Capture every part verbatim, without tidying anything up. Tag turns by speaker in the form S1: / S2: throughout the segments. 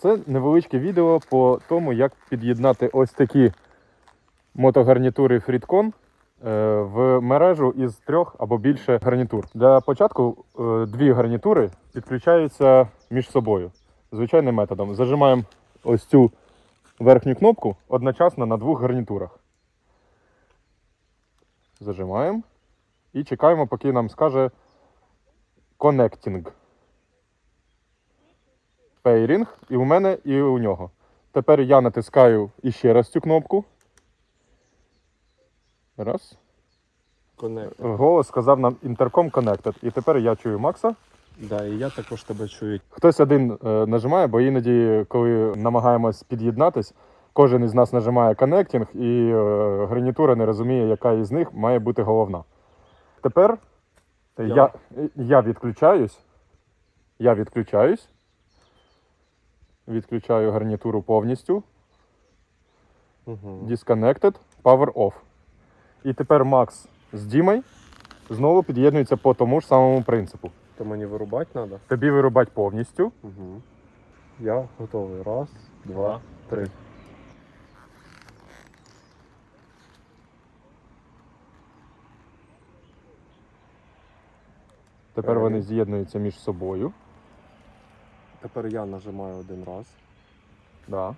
S1: Це невеличке відео по тому, як під'єднати ось такі мотогарнітури Freedcon в мережу із трьох або більше гарнітур. Для початку дві гарнітури підключаються між собою звичайним методом. Зажимаємо ось цю верхню кнопку одночасно на двох гарнітурах. Зажимаємо і чекаємо, поки нам скаже Connecting. Pairing і у мене, і у нього. Тепер я натискаю іще раз цю кнопку. Раз.
S2: Connected.
S1: Голос сказав нам Intercom Connected. І тепер я чую Макса.
S2: Да, і я також тебе чую.
S1: Хтось один е, нажимає, бо іноді, коли намагаємось під'єднатись, кожен із нас нажимає Connecting і е, гарнітура не розуміє, яка із них має бути головна. Тепер я, я, я відключаюсь. Я відключаюсь. Відключаю гарнітуру повністю.
S2: Угу.
S1: Disconnected, Power Off. І тепер Макс з Дімою знову під'єднуються по тому ж самому принципу.
S2: То мені вирубати треба?
S1: Тобі вирубати повністю.
S2: Угу. Я готовий. Раз, два, три.
S1: Тепер вони з'єднуються між собою.
S2: Тепер я нажимаю один раз.
S1: Да.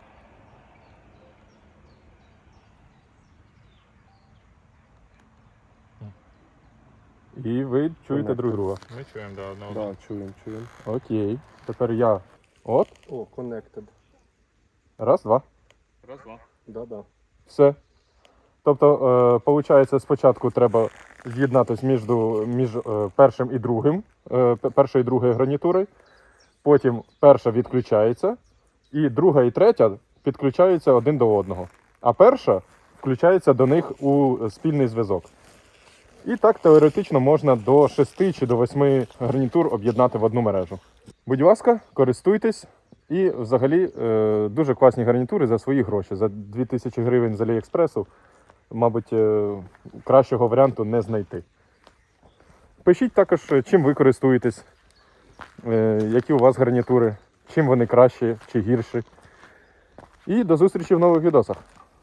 S1: І ви чуєте
S2: Connected.
S1: друг друга.
S3: Ми чуємо, да, одного.
S2: Да, чуємо, чуємо.
S1: Окей. Тепер я. От.
S2: О, connected.
S1: Раз, два.
S3: Раз, два.
S2: Да, да.
S1: Все. Тобто, е, виходить, спочатку треба з'єднатися між, між е, першим і другим, е, першою і другою гарнітурою. Потім перша відключається, і друга і третя підключаються один до одного. А перша включається до них у спільний зв'язок. І так теоретично можна до шести чи до восьми гарнітур об'єднати в одну мережу. Будь ласка, користуйтесь. І взагалі е, дуже класні гарнітури за свої гроші. За дві тисячі гривень з Аліекспресу, мабуть, е, кращого варіанту не знайти. Пишіть також, чим ви користуєтесь, е, які у вас гарнітури, чим вони кращі чи гірші. І до зустрічі в нових відосах.